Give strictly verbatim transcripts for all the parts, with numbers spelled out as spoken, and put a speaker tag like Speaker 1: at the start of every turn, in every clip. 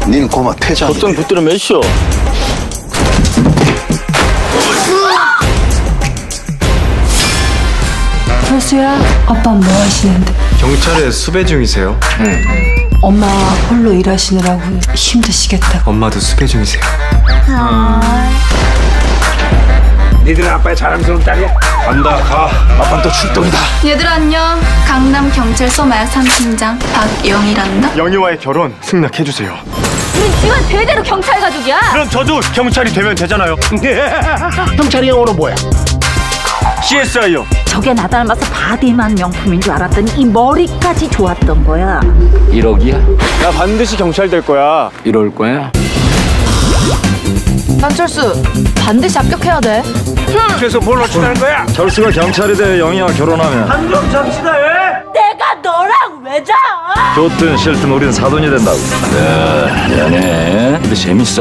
Speaker 1: 니는 고마 퇴장.
Speaker 2: 어떤 붙들어 매시오.
Speaker 3: 철수야, 아빠 뭐 하시는데?
Speaker 4: 경찰에 수배 중이세요?
Speaker 3: 엄마 홀로 일하시느라고 힘드시겠다.
Speaker 4: 엄마도 수배 중이세요?
Speaker 5: 니들은 아빠의 자랑스러운 딸이야?
Speaker 4: 간다 가.
Speaker 1: 아빠는 또 출동이다.
Speaker 6: 얘들 안녕. 강남 경찰서 마약 삼 팀장 박영이란다.
Speaker 4: 영희와의 결혼 승낙해주세요.
Speaker 7: 우리 집안 대대로 경찰 가족이야.
Speaker 4: 그럼 저도 경찰이 되면 되잖아요.
Speaker 1: 경찰이 영어로 뭐야?
Speaker 4: 씨에스아이요.
Speaker 7: 저게 나 닮아서 바디만 명품인 줄 알았더니 이 머리까지 좋았던 거야.
Speaker 2: 일억이야?
Speaker 4: 나 반드시 경찰 될 거야.
Speaker 2: 이럴 거야?
Speaker 6: 안철수 반드시 합격해야 돼.
Speaker 5: 그래서 뭘 어쩌자는 거야?
Speaker 4: 철수가 경찰이 돼 영희와 결혼하면
Speaker 5: 한정 잡시다 왜?
Speaker 7: 내가 너랑 왜 자?
Speaker 4: 좋든 싫든 우린 사돈이 된다고.
Speaker 2: 미안해. 근데 재밌어.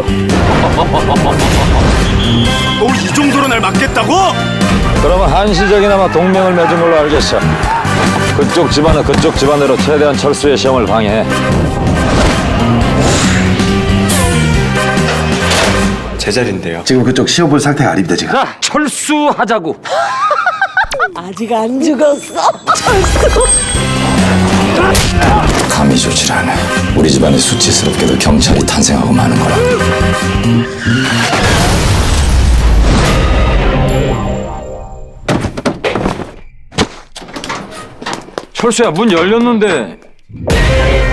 Speaker 4: 이 정도로 날 맞겠다고?
Speaker 8: 그러면 한시적이나마 동맹을 맺은 걸로 알겠어. 그쪽 집안은 그쪽 집안대로 최대한 철수의 시험을 방해해.
Speaker 4: 제 자리인데요.
Speaker 1: 지금 그쪽 시험 볼 상태가 아닙니다 지금.
Speaker 2: 자, 철수하자고.
Speaker 7: 아직 안 죽었어.
Speaker 8: 감이 좋질 않아. 우리 집안에 수치스럽게도 경찰이 탄생하고 마는 거라.
Speaker 2: 철수야, 문 열렸는데.